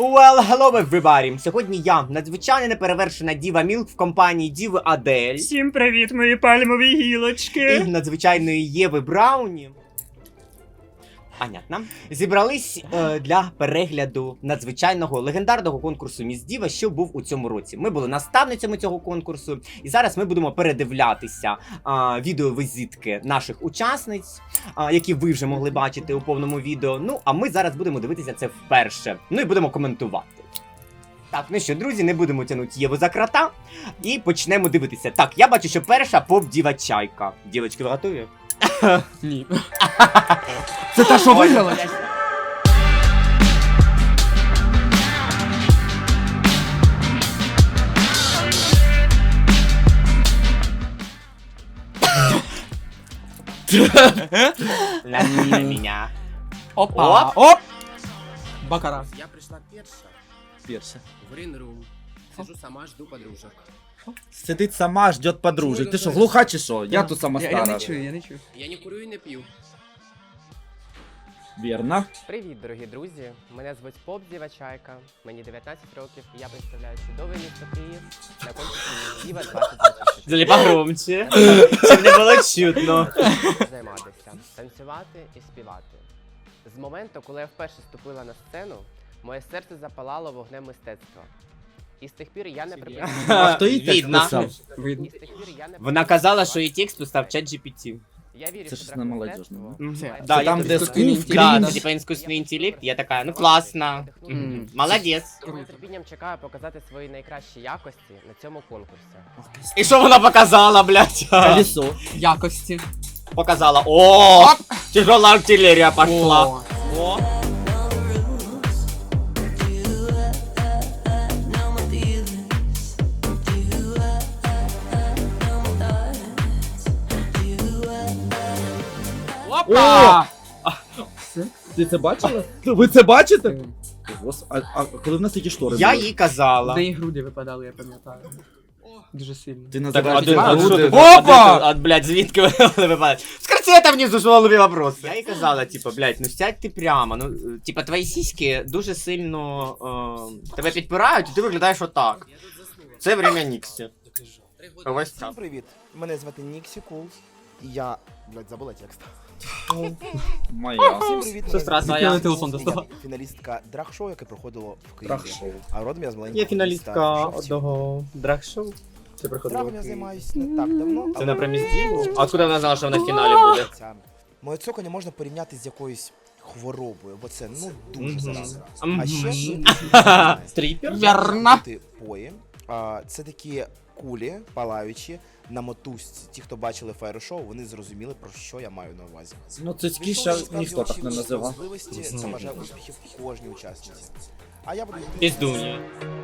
Well, hello everybody! Сьогодні я, надзвичайно неперевершена Діва Мілк в компанії Діви Адель Всім привіт, мої пальмові гілочки! і надзвичайної Єви Брауні. Понятно. Зібрались для перегляду надзвичайного легендарного конкурсу Міс Діва, що був у цьому році. Ми були наставницями цього конкурсу, і зараз ми будемо передивлятися відеовізитки наших учасниць, які ви вже могли бачити у повному відео. Ну, а ми зараз будемо дивитися це вперше. Ну і будемо коментувати. Так, ну що, друзі, не будемо тягнути Єву за крота і почнемо дивитися. Так, я бачу, що перша поп-діва Чайка. Дівочки, ви готові? Ні. Це та, що виграла? Меня. Опа! Оп! Бакара. Я пришла Перша. в Грин-рум. Сижу сама, жду подружек. Сидить сама, ждет подружек. Ти що, глуха чи що? Я тут сама Я стара. не чую, я не чую. Я не курю і не п'ю. Вірно. Привіт, дорогі друзі! Мене звуть Поп Діва Чайка, мені 19 років, і я представляю чудове місто Київ на конкурсі Міс Діва 2026. Залі погромче, щоб не було чутно. Займатися, танцювати і співати. З моменту, коли я вперше ступила на сцену, моє серце запалало вогнем мистецтва. І з тих пір я не припиняю. А хто їй текст Видно. писав? Видно. І з тих пір я не Вона казала, що її текст писав ChatGPT. Я вірю, Це що ж не молодіжно, дракмистецтво Да, Це там, я де тут скул, Да, крінж. це типа іскусственний інтелект. Я така, ну класно. Молодець. З нетерпінням чекаю показати свої найкращі якості на цьому конкурсі. І що вона показала, блядь? Колесо. Якості. Показала. О, тяжела артилерія пошла. О. О. Опа! Ти це бачила? Ви це бачите? А коли в нас такі штори Я були? їй казала. Де її груди випадали, я пам'ятаю. Дуже сильно. Ти Так, називаєш а ці груди? Опа! Блядь, звідки вони випадають? Скажи там внизу, що голові вопрос. Я їй казала, типа, блядь, ну сядь ти прямо. Ну, типа, твої сіськи дуже сильно тебе підпирають, і ти виглядаєш отак. Це время Ніксі. Ось так. Всім привіт! Мене звати Ніксі Кул. І я, блядь, забула текст. Моя. Всім привіт! Сестра мене твоя. звати Телефон Ніксі, достала. я фіналістка драг-шоу, яке проходило в Києві. Трах-шоу. А родом я з маленького Я фіналістка міста Шовців. одного драг-шоу. Це проходило. Драгом я займаюся не так давно. Це на прем'єрі? А откуда вона знала, що вона в фіналі буде? Моє цокання можна порівняти з якоюсь хворобою, бо це, ну, дуже Мгм. заразно. Мгм. А ще Стріпер? Вірно. пої. Це такі кулі, палаючі, на мотузці. Ті, хто бачили фаєр-шоу, вони зрозуміли, про що я маю на увазі. Ну цицьки ще ніхто так не називав. Можливості, це бажаю успіхів кожній учасниці. А я буду Піздуня.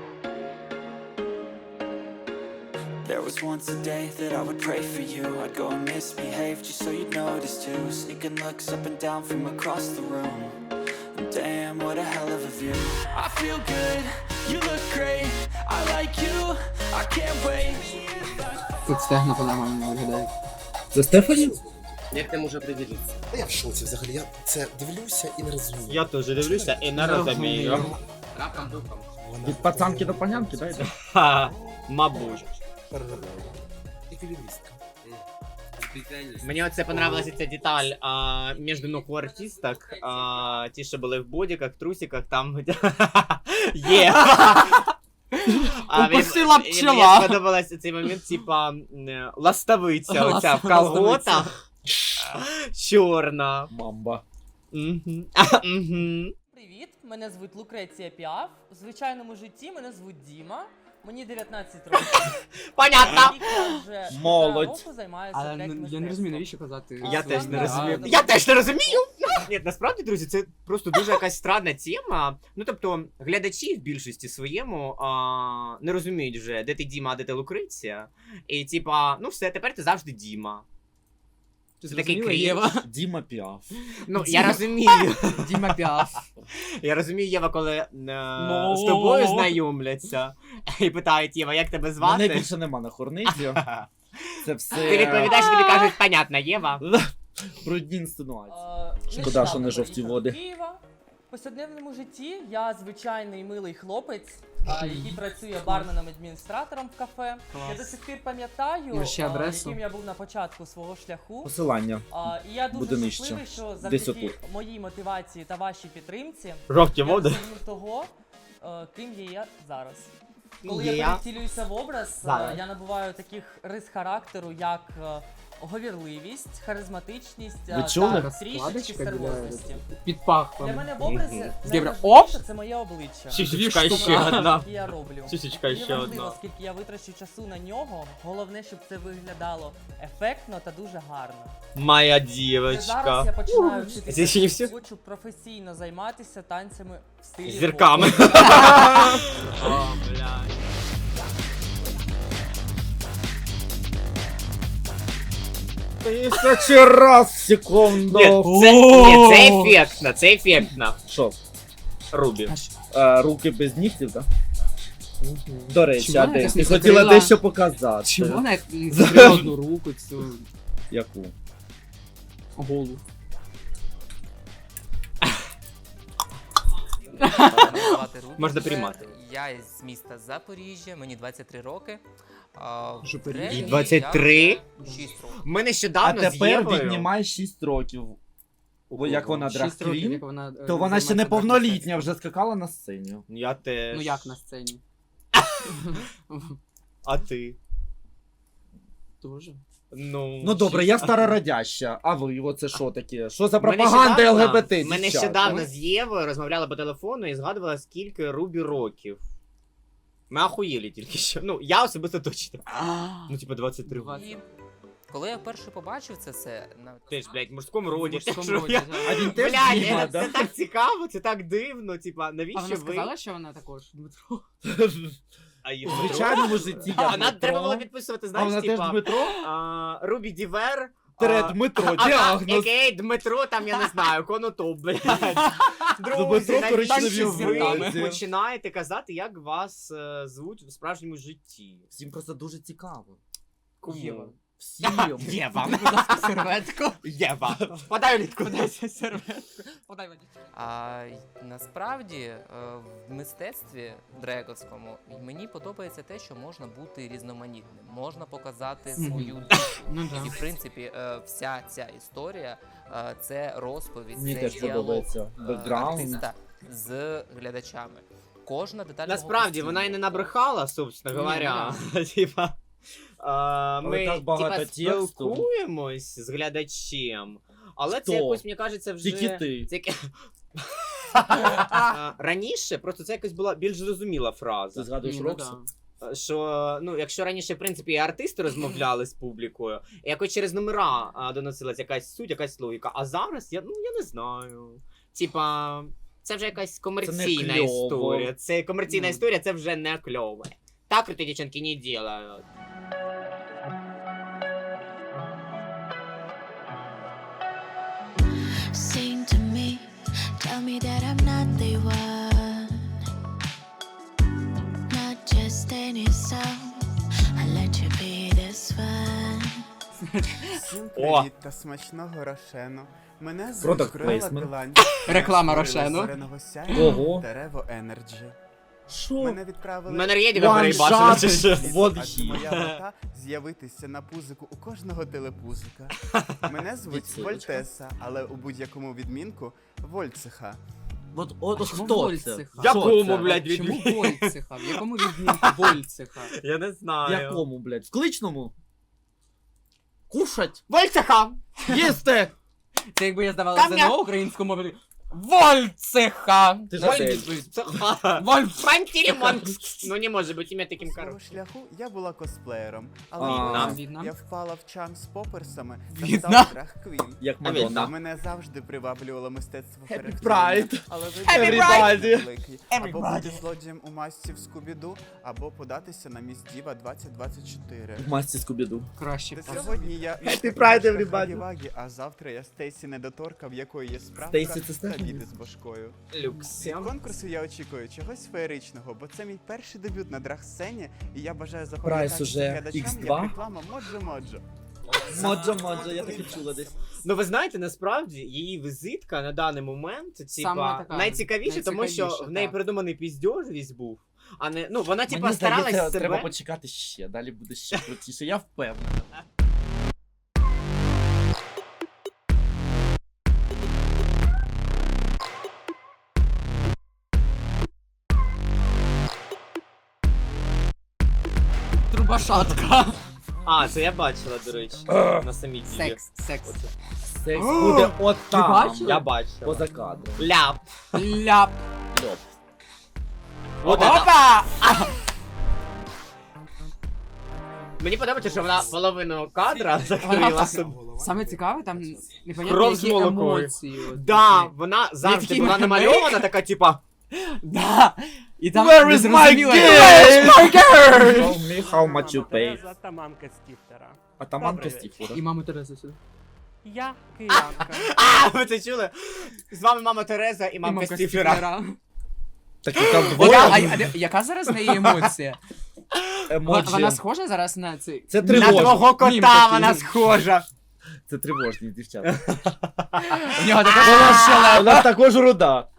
There was once a day that I would pray for you. I'd go and misbehave just so you'd notice too. Sneaking looks up and down from across the room. And damn, what a hell of a view. I feel good, you look great. I like you, I can't wait. Тут стегна по-нормальному виглядають. Це Стефані? Як ти може приділитися? Я в шоці взагалі, я це дивлюся і не розумію. Я теж дивлюся і не розумію. Рапом духом. Від пацанки до панянки, да, йде? Ха, мабуть. Переробляю. Еквілібристка. Мені оце понравилася ця деталь між ног у артисток. Ті, що були в бодіках, трусиках, там є. Укусила пчела. Мені сподобався цей момент, типа ластовиця оця в колготах. Чорна. Мамба. Мгм. Мгм. Привіт, мене звуть Лукреція Піаф. В звичайному житті мене звуть Діма. Мені 19 років. Понятно. Рік я вже Молодь. року займаюся Але я не розумію, мистецтвом. навіщо казати. Я теж не Да, розумію. да. Я теж не розумію. Ні, насправді, друзі, це просто дуже якась странна тема. Ну, тобто, глядачі в більшості своєму не розуміють вже, де ти Діма, а де ти Лукреція. І типа, ну все, тепер ти завжди Діма. Ти Це такий зрозуміла, крінж. Єва? Діма Піаф. Ну, я розумію. Діма Піаф. Я розумію, Єва, коли з тобою знайомляться і питають, Єва, як тебе Мене звати? більше нема на хорниці. Це все... Ти відповідаєш, і тобі кажуть, понятно, Єва. Брудні інсинуації. Нещодавно Шкода, що не жовті приїхала води. до Києва. В повсякденному житті я звичайний милий хлопець, який працює барменом-адміністратором в кафе. Я до сих пір пам'ятаю, Може, ще адресу? яким я був на початку свого шляху. Посилання. І я Буде дуже нижче. щасливий, що Десь завдяки отут. моїй мотивації та вашій підтримці Жовті я води. досягнув того, ким є я зараз. Коли Є я я. перевтілююся в образ, Зараз. я набуваю таких рис характеру, як говірливість, харизматичність Ви чули? та Така трішечки складочка біля серйозності. під пахвом. Для мене в образі Євро. найважливіше це моє обличчя. Сісічка Дві ще штуки. одна. Які я роблю. Сісічка Мені ще важливо, одна. скільки я витрачу часу на нього. Головне, щоб це виглядало ефектно та дуже гарно. Моя Зараз дівочка. я починаю Це ще не вчитися. всі? Хочу професійно займатися танцями в стилі Зірками. поп. О, блядь. Тисячі раз секунду. Ні, це ефектно, це ефектно. Що? Рубі. Руки без нігтів, так? До речі, Чому а вона де? якось Ти не хотіла закрила? дещо показати. Чому вона як закрила одну руку цю Яку? голу? Мене звати Рубі. Можна приймати. Я з міста Запоріжжя, мені 23 роки. В Запоріжжя? древні 23? я вже 6 років. Ми А нещодавно з тепер Євою... віднімай 6 років. Бо як вона 6 років, драг-квін, як вона... то вона ще займається неповнолітня, драг-мистецтвом. вже скакала на сцені. Я теж. Ну як на сцені? А ти? Дуже. Ну добре, я старородяща, а ви оце що таке? Що за Ми пропаганда нещодавно- ЛГБТ? Ми дівчата? нещодавно з Євою розмовляли по телефону і згадували, скільки Рубі років. Ми ахуєлі тільки що. Ну, я особисто точно. Ну, типа 23 роки. І коли я вперше побачив це все, Теж, блядь, в мужському роді. В мужському Що роді, я- да. А він теж Блядь, Діма, це да? так цікаво, це так дивно, типа, А навіщо вона ви... сказала, що вона також Дмитро? А її У Дмитро? звичайному житті я Вона Дмитро. треба було підписувати, А знаєш, вона теж типа, Дмитро? Рубі Дівер, Тире Дмитро, діагноз. Окей, Дмитро, там, я не знаю, Конотоп, блядь. Друзі, Дмитро коричневі навіщо ви вулиці. починаєте казати, як вас звуть в справжньому житті? Всім просто дуже цікаво. Єва. Всім. Єва. Будь ласка, серветку. Єва. Подай літку. Подайся серветку. Подай мені. А насправді в мистецтві дрековському мені подобається те, що можна бути різноманітним, можна показати свою душу. Ну І в принципі вся ця історія це розповідь, Мені це теж діалог подобається. Бекграунд. артиста з глядачами. Кожна деталь Насправді, вона і не набрехала, собственно Ні, говоря. Типа, ми так багато типа, тексту. спілкуємось з глядачем, але Хто? це якось, мені кажеться, вже... Тільки ти. Це... Раніше просто це якось була більш зрозуміла фраза. Ти згадуєш Ні, ну Роксу? да. Що, ну, якщо раніше, в принципі, і артисти розмовляли з публікою, і якось через номера доносилась якась суть, якась логіка, а зараз, я не знаю. Типа, це вже якась комерційна кльово. історія. Це комерційна Ну. історія, це вже не кльово. Так круті дівчинки не ділають. Sing to me, tell me that I'm not the one, not just any song. I let you be this one. Всім О! привіт та смачного Рошену. Мене Product звуть Крила placement. Килань. Реклама Я Рошену. створила зоряного сяйва Ого. Дерево Енерджі. Що? Мене відправили Мене рєдіга One переїбачила, shot. чи що? Вот адже he. моя мета з'явитися на пузику у кожного телепузика. Мене звуть Відсилочка. Вольтеса, але у будь-якому відмінку Вольцеха. От Чому хто це? Вольцеха? Якому, Що це? блядь, Чому відмінку? Вольцеха? В якому відмінку Вольцеха? Я не В знаю. якому, блядь? В кличному? Кушать? Вольцеха! Їсти! Це якби я здавала Там я- ЗНО українською мовою. Вольцеха! Ти ж Вольцеха! Фантілімон! Ну не може бути ім'я таким Свого коротким. шляху я була косплеєром, але А. потім я впала в чан з поперсами та В'єтнам. стала драг-квін. Як А він, Мадонна. Мене завжди приваблювало мистецтво Happy характерування, Pride! але Everybody! великий. Або бути злодієм у масці в Скубіду, або податися на міс Діва 2024. В масці Скубіду. Краще. Та сьогодні я Happy Pride, everybody! Вагі, а завтра я Стейсі Недоторка, в якої є справка Стейсі, це та Стефані? діти з башкою. Люкс. Від конкурсу я очікую чогось феєричного, бо це мій перший дебют на драг-сцені, і я бажаю Прайс запам'ятати уже глядачам X2. як реклама Моджо-Моджо. Моджо, я так і чула десь. Ну ви знаєте, насправді її візитка на даний момент, Саме така найцікавіше, тому що найцікавіша, в неї так. придуманий піздьож весь був. А не, ну вона Мені старалась здається, себе. треба почекати ще, далі буде ще крутіше, я впевнений. Трубашатка. А, це я бачила, до речі, на самій ділі. Секс. Секс буде от там. бачила? Я бачила. Поза кадром. Ляп. Ляп. Льоп. Вот это. Опа! Мені подобається, що вона половину кадра Вона закрила так- собі. Саме цікаве, там непонятно Кров з які молокою. емоції. от Да, такі. вона завжди такий була мемейк. намальована, така типа. Да. І там Where не is my зрозуміло, girl? my girl? Show me how much you pay. Та мамка Стіфтера. Атаманка Стіфура. І маму Терезу сюди. Я киянка. А, ви це чули? З вами мама Тереза і мамка Стіфера. Так і там Яка зараз в неї емоція? емоджі. Вона схожа зараз на цей... Це На тривожні. твого Мім кота такий. вона схожа. Це тривожні дівчата. У нього така Вона також руда.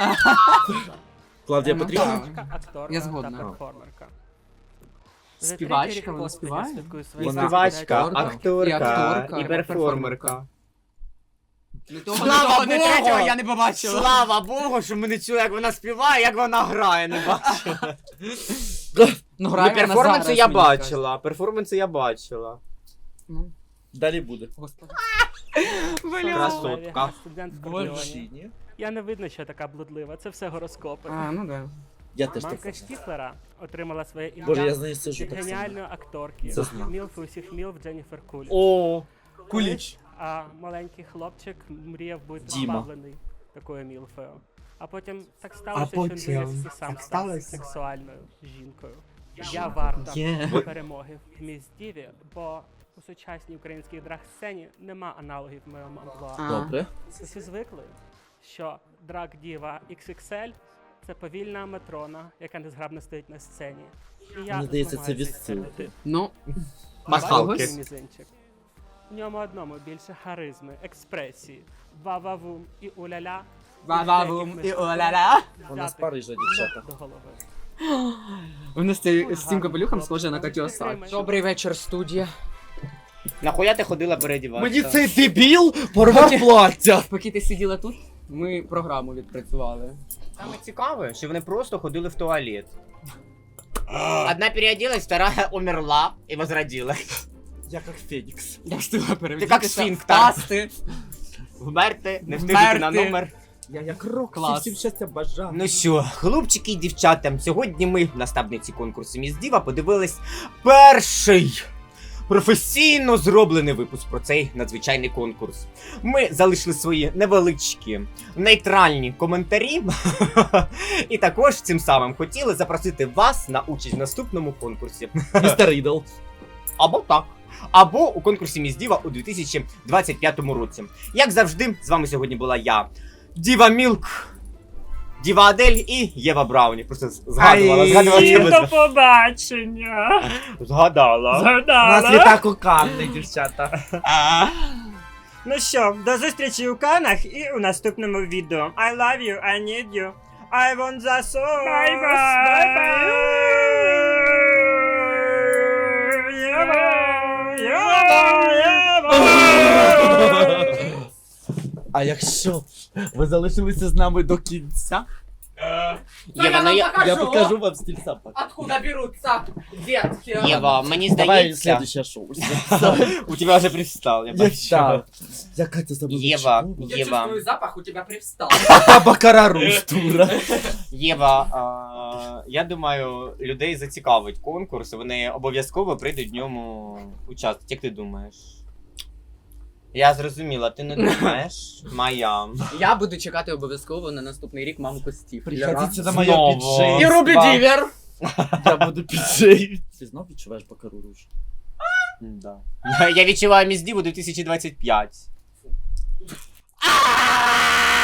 Клавдія Ну, Петрівна. так. Акторка Я згодна. та перформерка. Співачка, вона співає? Вона Співачка, акторка, акторка і і перформерка. Не того, Слава не того, не Богу! третього я не побачила. Слава Богу, що ми не чули, як вона співає, як вона грає, не бачила. Ну, Ну, грає вона перформанси зараз, я мені бачила, перформанси я бачила. кажуть. Далі буде. Господи. Красотка. Студент в Боже. Кордіоні. Я не видно, що така блудлива, це все гороскопи. А, ну да. Я теж так. Мамка Штіфлера отримала своє Боже, я ім'я з нею сижу від так само. геніальної акторки, Це знак. мілфи усіх мілф Дженніфер Куліч. О, Колись, а маленький хлопчик мріяв бути Діма. позбавлений такою мілфою. А потім так сталося, що потім він виріс і сам так став сталося. сексуальною жінкою. Я варта Є. перемоги в міс Діві, бо у сучасній українській драг-сцені нема аналогів в моєму амплуа. Добре. Усі звикли, що драг-діва XXL – це повільна матрона, яка незграбно стоїть на сцені. І я Мені здається, це змагаюся відсилка. цей стереотип. Ну, Пасхалки. Бачиш мій мізинчик? В ньому одному більше харизми, експресії, ва-ва-вум і уля-ля. ва-ва-вум і уля-ля. Вона з Парижа, дівчата. До голови. Вона з цим капелюхом схожа на Катю Осад. Добрий вечір, студія. Нахуя ти ходила передіватися? Мені цей дебіл порвав плаття. Поки ти сиділа тут, ми програму відпрацювали. Саме цікаве, що вони просто ходили в туалет. Одна переоделась, вторая умерла і возродилась. Я як Фенікс. Я встигла перевірити. Ти як сфінктер. Впасти. Вмерти, не встигнути на Вмерти. номер. Я як рок, Клас. всім щастя бажаю. Ну що, хлопчики і дівчата, сьогодні ми, наставниці конкурсу Міс Діва, подивились перший професійно зроблений випуск про цей надзвичайний конкурс. Ми залишили свої невеличкі, нейтральні коментарі. І також цим самим хотіли запросити вас на участь в наступному конкурсі. Містер Рідл. Або так. Або у конкурсі Міс Діва у 2025 році. Як завжди, з вами сьогодні була я, Діва Мілк, Діва Адель і Єва Брауні. Просто згадувала. До побачення! Згадала. У нас літак у Канни, дівчата. Ну що, до зустрічі у Канах і у наступному відео. I love you, I need you. I want the sauce. А якщо ви залишилися з нами до кінця, Єва, ну я покажу вам стиль сапа. Откуда беруться детки? Єва, мені Давай здається, следующее шоу. у тебе вже привстал, я бачу. Так. Яка це забула? Єва, Я Єва, чувствую запах, у тебя привстал. Бакара Рустура. Єва, я думаю, людей зацікавить конкурс, вони обов'язково прийдуть в ньому участвувати. Як ти думаєш? Я зрозуміла, ти не думаєш? Моя. Я буду чекати обов'язково на наступний рік мамку Стів. Приходите на моє Знову. піджейство. І Рубі Дівер. Я буду піджей. Ти знов відчуваєш Бакару Руж? Да. Я відчуваю Міс Діву 2025.